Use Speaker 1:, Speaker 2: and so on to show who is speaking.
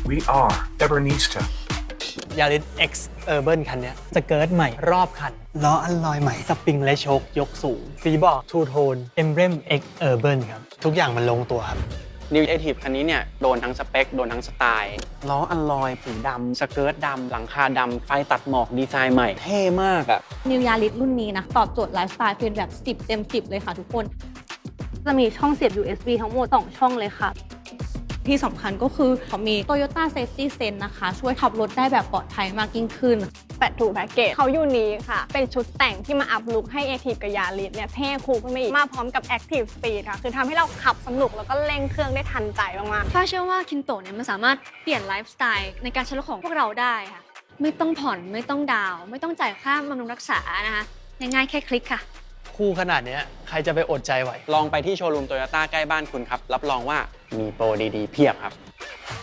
Speaker 1: we are ever needs to.
Speaker 2: Yaris X Urban คันนี้สเกิร์ตใหม่รอบคันล้ออัลลอยใหม่สปริงและโชคยกสูงสีบอกทูโทน Emblem X Urban ครับทุกอย่างมันลงตัวครับ
Speaker 3: New Active คันนี้เนี่ยโดนทั้งสเปคโดนทั้งสไตล์ล้ออัลลอยสีดำสเกิร์ตดำหลังคาดำไฟตัดหมอกดีไซน์ใหม่เท่มากอะ
Speaker 4: New Yaris รุ่นนี้นะตอบโจทย์ไลฟ์สไตล์เป็นแบบ10 เต็ม 10เลยค่ะทุกคน
Speaker 5: จะมีช่องเสียบ USB ทั้งหมด2ช่องเลยค่ะ
Speaker 4: ที่สำคัญก็คือเขามี Toyota Safety Sense นะคะช่วยขับรถได้แบบปลอดภัยมากยิ่งขึ้น
Speaker 5: 82แพ็กเกจเขายูนิคค่ะเป็นชุดแต่งที่มาอัพลุคให้ Active กับ Yaris เนี่ยเท่คูลขึ้นมาอีกมาพร้อมกับ Active Speed ค่ะคือทำให้เราขับสนุกแล้วก็เร่งเครื่องได้ทันใจมากๆ
Speaker 6: ฟ้าเชื่อว่าคินโตะเนี่ยมันสามารถเปลี่ยนไลฟ์สไตล์ในการใช้รถของพวกเราได้ค่ะไม่ต้องผ่อนไม่ต้องดาวน์ไม่ต้องจ่ายค่าบำรุงรักษานะคะง่ายๆแค่คลิกค่ะ
Speaker 2: คู่ขนาดนี้ใครจะไปอดใจไหว
Speaker 3: ลองไปที่โชว์รูมโตโยต้าใกล้บ้านคุณครับรับรองว่ามีโปรดีๆเพียบครับ